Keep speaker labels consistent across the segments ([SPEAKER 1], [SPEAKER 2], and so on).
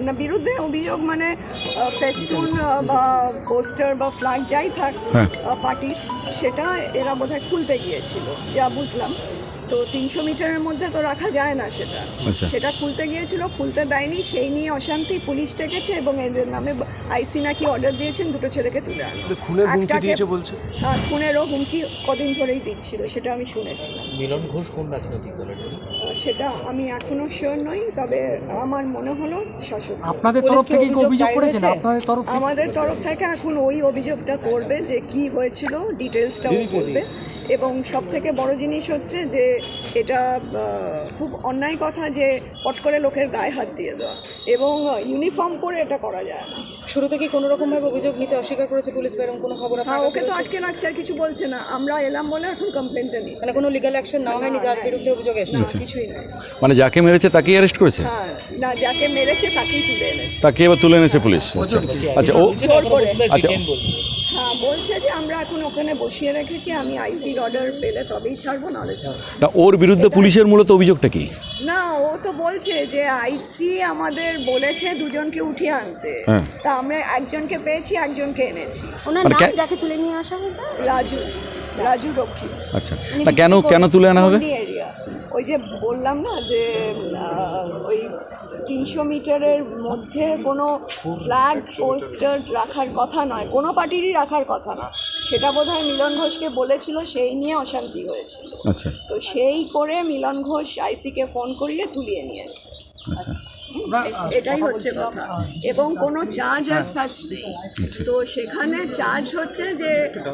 [SPEAKER 1] না বিরুদ্ধে অভিযোগ মানে ফেস্টুন বা পোস্টার বা ফ্ল্যাগ যাই থাক পার্টির, সেটা এরা বোধহয় খুলতে গিয়েছিল যা বুঝলাম। তো 300 মিটারের মধ্যে তো রাখা যায় না সেটা, সেটা খুলতে গিয়েছিল, খুলতে দেয়নি, সেই নিয়ে অশান্তি, পুলিশ ডেকেছে এবং এদের নামে আইসি নাকি অর্ডার দিয়েছেন দুটো ছেলেকে তুলে আনো। হ্যাঁ, খুনেরও হুমকি কদিন ধরেই দিচ্ছিল, সেটা আমি শুনেছিলাম।
[SPEAKER 2] মিলন ঘোষ কোন রাজনৈতিক দলের?
[SPEAKER 1] সেটা আমি এখনো শিওর নই, তবে আমার মনে হলো শাসক।
[SPEAKER 3] আপনাদের তরফ থেকে কি অভিযোগ করেছেন? আপনাদের তরফ থেকে?
[SPEAKER 1] আমাদের তরফ থেকে এখন ওই অভিযোগটা করবে যে কি হয়েছিল, ডিটেলসটাও করবে। এবং সব থেকে বড় জিনিস হচ্ছে যে এটা খুব অন্যায় কথা যে পট করে লোকের গায়ে হাত দিয়ে দেওয়া, এবং ইউনিফর্ম পরে এটা করা যায় না।
[SPEAKER 4] শুরু থেকে কোনো রকমভাবে অভিযোগ নিতে অস্বীকার করেছে পুলিশ, বা এরকম কোনো খবর
[SPEAKER 1] হ্যাঁ, ওকে তো আটকে রাখছে, আর কিছু বলছে না। আমরা এলাম বলে এখন কমপ্লেনটা নিই,
[SPEAKER 4] মানে কোনো লিগ্যাল অ্যাকশন নেওয়া হয়নি যার বিরুদ্ধে অভিযোগ এসেছে?
[SPEAKER 1] কিছুই নয়।
[SPEAKER 5] মানে যাকে মেরেছে তাকেই অ্যারেস্ট করেছে?
[SPEAKER 1] হ্যাঁ, না, যাকে মেরেছে তাকেই তুলে এনেছে।
[SPEAKER 5] তাকে এবার তুলে এনেছে পুলিশ? আচ্ছা ও
[SPEAKER 1] জোর করে।
[SPEAKER 5] আচ্ছা
[SPEAKER 1] হ্যাঁ, বলছে যে আমরা এখন ওখানে বসিয়ে রেখেছি, আমি আইসির অর্ডার পেলে তবেই ছাড়বো, নাহলে ছাড়বো
[SPEAKER 5] না। ওর বিরুদ্ধে পুলিশের মূলত অভিযোগটা কি?
[SPEAKER 1] না। ও তো বলছে যে আইসি আমাদের বলেছে দুজনকে উঠিয়ে আনতে, তা আমরা একজনকে পেয়েছি, একজনকে এনেছি।
[SPEAKER 6] ওনার নাম যাকে তুলে নিয়ে আসা হয়েছে?
[SPEAKER 1] রাজু রক্ষী।
[SPEAKER 5] আচ্ছা, না কেন তুলে আনা হবে?
[SPEAKER 1] এরিয়া ওই যে বললাম না যে ওই 300 মিটারের মধ্যে কোনো ফ্ল্যাগ পোস্টার রাখার কথা নয়, কোনো পার্টিরই রাখার কথা না, সেটা বোধহয় মিলন ঘোষকে বলেছিল, সেই নিয়ে অশান্তি হয়েছিল।
[SPEAKER 5] আচ্ছা,
[SPEAKER 1] তো সেই করে মিলন ঘোষ আইসিকে ফোন করিয়ে তুলিয়ে নিয়েছে।
[SPEAKER 5] আচ্ছা,
[SPEAKER 1] এটাই হচ্ছে কথা। এবং কোনো চার্জ আর সাচ নেই। তো সেখানে চার্জ হচ্ছে যে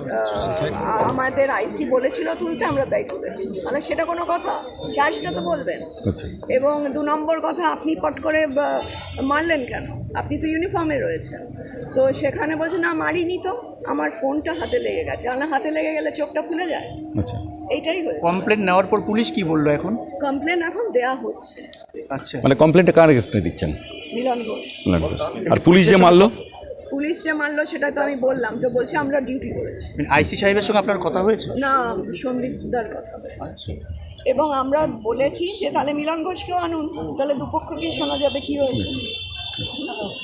[SPEAKER 1] আমাদের আইসি বলেছিল তুলতে, আমরা তাই তুলেছি, মানে সেটা কোনো কথা? চার্জটা তো বলবেন।
[SPEAKER 5] আচ্ছা।
[SPEAKER 1] এবং 2 নম্বর কথা, আপনি পট করে মারলেন কেন? আপনি তো ইউনিফর্মে রয়েছেন। তো সেখানে বলছে না, মারিনি তো, আমার ফোনটা হাতে লেগে গেছে। আমার হাতে লেগে গেলে চোখটা খুলে যায়।
[SPEAKER 5] আচ্ছা,
[SPEAKER 1] এইটাই হয়েছে।
[SPEAKER 3] কমপ্লেন নেওয়ার পর পুলিশ কি বললো এখন?
[SPEAKER 1] কমপ্লেন এখন দেয়া হচ্ছে।
[SPEAKER 3] আচ্ছা,
[SPEAKER 5] মানে কমপ্লেনটা কার এগেইনস্টে দিচ্ছেন?
[SPEAKER 1] মিলন ঘোষ।
[SPEAKER 5] আর পুলিশ যে মারলো?
[SPEAKER 1] পুলিশ যে মারলো সেটা তো আমি বললাম, তো বলছে আমরা ডিউটি করেছি।
[SPEAKER 3] আইসি সাহেবের সঙ্গে আপনার কথা হয়েছে?
[SPEAKER 1] না, সন্দীপদার কথা হয়েছে। এবং আমরা বলেছি যে তাহলে মিলন ঘোষকেও আনুন, তাহলে দুপক্ষকে শোনা যাবে কি হয়েছে।